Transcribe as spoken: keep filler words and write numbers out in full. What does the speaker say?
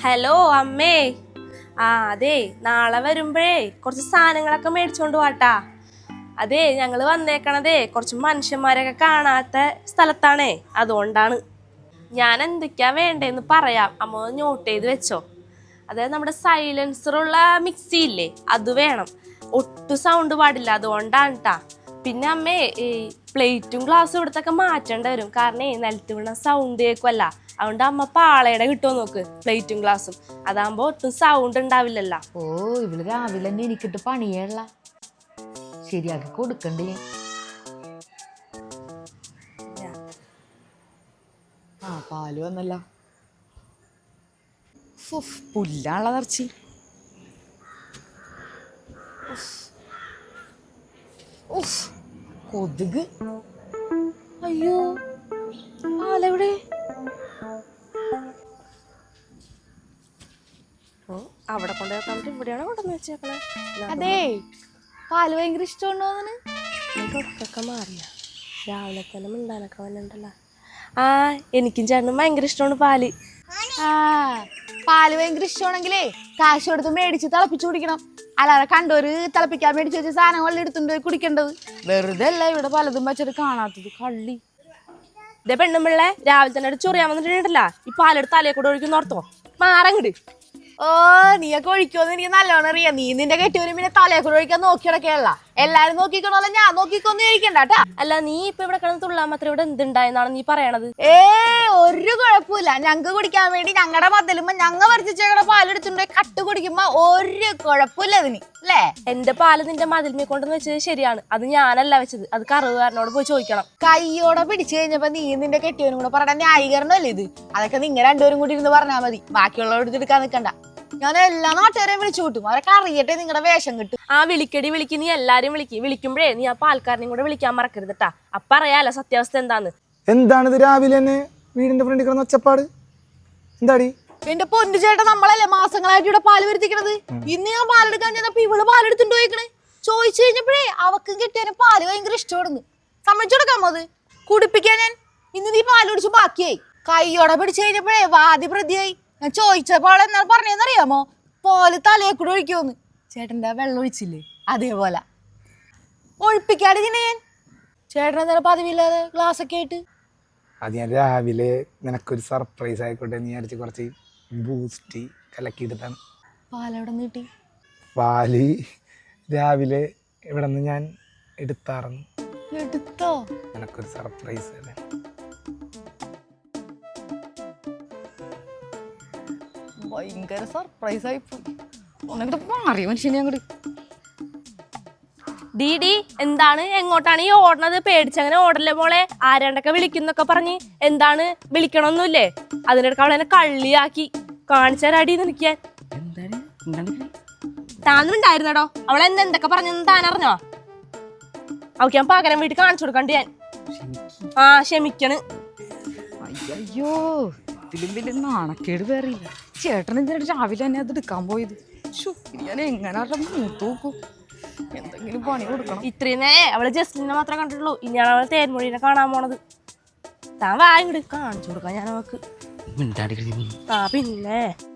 Hello അമ്മേ. ആ അതെ, നാളെ വരുമ്പോഴേ കുറച്ച് സാധനങ്ങളൊക്കെ മേടിച്ചോണ്ട് പോട്ടാ. അതെ, ഞങ്ങള് വന്നേക്കണതേ കുറച്ച് മനുഷ്യന്മാരൊക്കെ കാണാത്ത സ്ഥലത്താണേ, അതുകൊണ്ടാണ്. ഞാൻ എന്തൊക്കെയാ വേണ്ടേന്ന് പറയാം, അമ്മ നോട്ട് ചെയ്ത് വെച്ചോ. അതായത് നമ്മുടെ സൈലൻസറുള്ള മിക്സി ഇല്ലേ, അത് വേണം. ഒട്ടും സൗണ്ട് പാടില്ല, അതുകൊണ്ടാണ് കേട്ടാ. പിന്നെ അമ്മേ ഈ പ്ലേറ്റും ഗ്ലാസ്സും ഇവിടത്തൊക്കെ മാറ്റേണ്ടി വരും, കാരണം നിലത്ത് വീണ സൗണ്ട് കേൾക്കുമല്ല. അതുകൊണ്ട് അമ്മ പാളയുടെ കിട്ടുമോ നോക്ക്, പ്ലേറ്റും ഗ്ലാസും. അതാകുമ്പോ ഒട്ടും സൗണ്ട് ഉണ്ടാവില്ലല്ലോ. ഓ, ഇവള് രാവിലെ തന്നെ എനിക്കിട്ട് പണിയല്ല, ശരിയാക്കി കൊടുക്കണ്ടേ. ആ പാല് വന്നല്ല, പുല്ലാണുള്ള നിറച്ചി. കൊതുക്. അയ്യോ, പാലെവിടെ? അവിടെ കൊണ്ടുപോയി ഇവിടെയാണ് കൊണ്ടുവന്ന് വെച്ചേക്കണേ. അതെ, പാല് ഭയങ്കര ഇഷ്ടമുണ്ടോന്ന് തൊട്ടൊക്കെ മാറിയ രാവിലെ തന്നെ മിണ്ടാനൊക്കെ വന്നിട്ടുണ്ടല്ലോ. ആ എനിക്കും ചേട്ടനും ഭയങ്കര ഇഷ്ടമാണ് പാല്. ആ പാല് ഭയങ്കര ഇഷ്ടമാണെങ്കിലേ കാശ് കൊടുത്ത് മേടിച്ച് തിളപ്പിച്ച് കുടിക്കണം. അല്ലാതെ കണ്ടോര് തിളപ്പിക്കാൻ മേടിച്ച് വെച്ച സാധനങ്ങളിൽ എടുത്തുകൊണ്ട് പോയി കുടിക്കേണ്ടത്. വെറുതെ അല്ല ഇവിടെ പലതും വെച്ചിട്ട് കാണാത്തത്, കള്ളി. ഇതേ പെണ്ണുമ്പിള്ളേ രാവിലെ തന്നെ ചൊറിയാൻ വന്നിട്ടുണ്ടല്ലോ, ഈ പാലെടുത്ത് തലയെ കൂടെ ഒഴിക്കുന്ന ഓർത്തോ, മാറങ്ങട്. ഓ, നീയൊക്കെ ഒഴിക്കുമെന്ന് എനിക്ക് നല്ലോണം അറിയാം. നീ നിന്റെ കെട്ടിയവരും പിന്നെ തലയെ കൂടെ ഒഴിക്കാൻ നോക്കിയിടക്കെയല്ല. എല്ലാരും നോക്കിക്കണോല്ല, ഞാൻ നോക്കിക്കൊന്നും കഴിക്കണ്ടാട്ടാ. അല്ല, നീ ഇപ്പൊ ഇവിടെ കിടന്ന് തുള്ളാൻ മാത്രം ഇവിടെ എന്തുണ്ടായെന്നാണ് നീ പറയണത്? ഏ ഒരു കുഴപ്പമില്ല. ഞങ്ങക്ക് കുടിക്കാൻ വേണ്ടി ഞങ്ങളുടെ മതിലുമ്പോ ഞങ്ങ പറിച്ചേക്കണ പാലെടുത്തുണ്ടോ കട്ട് കുടിക്കുമ്പോ ഒരു കുഴപ്പമില്ല അതിന്, അല്ലേ? എന്റെ പാല് നിന്റെ മതിൽമേ കൊണ്ടെന്ന് വെച്ചത് ശരിയാണ്, അത് ഞാനല്ല വെച്ചത്, അത് കറുകാരനോട് പോയി ചോദിക്കണം. കയ്യോടെ പിടിച്ചു കഴിഞ്ഞപ്പോ നീ നിന്റെ കെട്ടിയവനും കൂടെ പറയണ ന്യായീകരണമല്ലേ ഇത്? അതൊക്കെ നിങ്ങൾ രണ്ടുപേരും കൂടി ഇരുന്ന് പറഞ്ഞാൽ മതി, ബാക്കിയുള്ളവർ എടുക്കാൻ നിൽക്കണ്ട. ഞാൻ എല്ലാ നാട്ടുകാരെയും വിളിച്ചു കൂട്ടും, അവരൊക്കെ അറിയട്ടെ നിങ്ങളുടെ വേഷം കിട്ടും. ആ വിളിക്കടി വിളിക്ക്, നീ എല്ലാരും വിളിക്ക്. വിളിക്കുമ്പോഴേ നീ ആ പാൽക്കാരനെയും കൂടെ വിളിക്കാൻ മറക്കരുത് കേട്ടാ. അപ്പ അറിയാലോ സത്യാവസ്ഥ എന്താന്ന്. എന്താണിത് രാവിലെ തന്നെ വീടിന്റെ ഫ്രണ്ടിൽ കിടന്ന ഒച്ചപ്പാട്? എന്താടി? എന്റെ പൊന്നു ചേട്ടൻ, നമ്മളല്ലേ മാസങ്ങളായിട്ട് ഇവിടെ പാല് വരുത്തിക്കണത്. ഇന്ന് ഞാൻ പാലെടുക്കാൻ ചെന്നപ്പോ ഇവള് പാലെടുത്തുണ്ടോ ചോദിക്കണേ. ചോദിച്ചു കഴിഞ്ഞപ്പോഴേ അവക്കും കിട്ടിയതിന് പാല് ഭയങ്കര ഇഷ്ടമായിരുന്നു. സമ്മതിച്ചു കൊടുക്കാമോ അത് കുടിപ്പിക്കാൻ? ഞാൻ ഇന്ന് നീ പാല് കുടിച്ച് ബാക്കിയായി. കയ്യോടെ പിടിച്ചു കഴിഞ്ഞപ്പോഴേ വാതി പ്രതിയായി. ഞാൻ ചോദിച്ചപ്പോൾ അവൾ എന്നാൽ പറഞ്ഞതെന്നറിയാമോ? പാല് തലയെ കൂടെ ഒഴിക്കുമെന്ന്. ചേട്ടൻ്റെ വെള്ളം ഒഴിച്ചില്ലേ, അതേപോലെ ഒഴിപ്പിക്കാതെ ഞാൻ. ചേട്ടൻ എന്തായാലും പതിവില്ലാതെ ഗ്ലാസ് ഒക്കെ ആയിട്ട്. അത് ഞാൻ രാവിലെ നിനക്കൊരു സർപ്രൈസ് ആയിക്കോട്ടെ നീ അടിച്ച് കുറച്ച് ബൂസ്റ്റ് കലക്കിയിട്ടാണ്. പാലെവിടെ നിന്ന് കിട്ടി? പാല് രാവിലെ ഇവിടെ നിന്ന് ഞാൻ എടുത്താറുന്നു. എടുത്തോ? നിനക്കൊരു സർപ്രൈസ് അല്ലേ. ഭയങ്കര സർപ്രൈസ് ആയിപ്പോയി. ഒന്നെങ്കിലും മാറിയ മനുഷ്യനെ അങ്ങോട്ട്. ഡീഡി എന്താണ്, എങ്ങോട്ടാണ് ഈ ഓടണത്? പേടിച്ചങ്ങനെ ഓടല്ലേ മോളെ. ആരാണ്ടൊക്കെ വിളിക്കുന്നൊക്കെ പറഞ്ഞ് എന്താണ്, വിളിക്കണമൊന്നുമില്ലേ? അതിനിടയ്ക്ക് അവളെന്നെ കള്ളിയാക്കി കാണിച്ച തരാടി നിൽക്കാൻ. താന്നുണ്ടായിരുന്നടോ അവളെ എന്ത് എന്തൊക്കെ പറഞ്ഞെന്ന് താനറിഞ്ഞോ? അവൾക്ക് ഞാൻ പകരം വീട്ടിൽ കാണിച്ചു കൊടുക്കണ്ട് ഞാൻ. ആ ക്ഷമിക്കണ്. അയ്യോ, ഇതിലും വലിയ നാണക്കേട് വേറെ. ചേട്ടൻ എന്തിനാണ് രാവിലെ തന്നെ അത് എടുക്കാൻ പോയത്? ഞാൻ എങ്ങനെ മൂത്ത് നോക്കും, എന്തെങ്കിലും പണി കൊടുക്കണം. ഇത്രയും നേരെ അവള് ജസ്റ്റിനെ മാത്രമേ കണ്ടിട്ടുള്ളൂ, ഇനിയാണ് അവള് തേൻമൊഴിനെ കാണാൻ പോണത്. താൻ വാ ഇങ്ങോട്ട് കാണിച്ചു കൊടുക്കാം ഞാൻ അവക്ക്. ആ പിന്നെ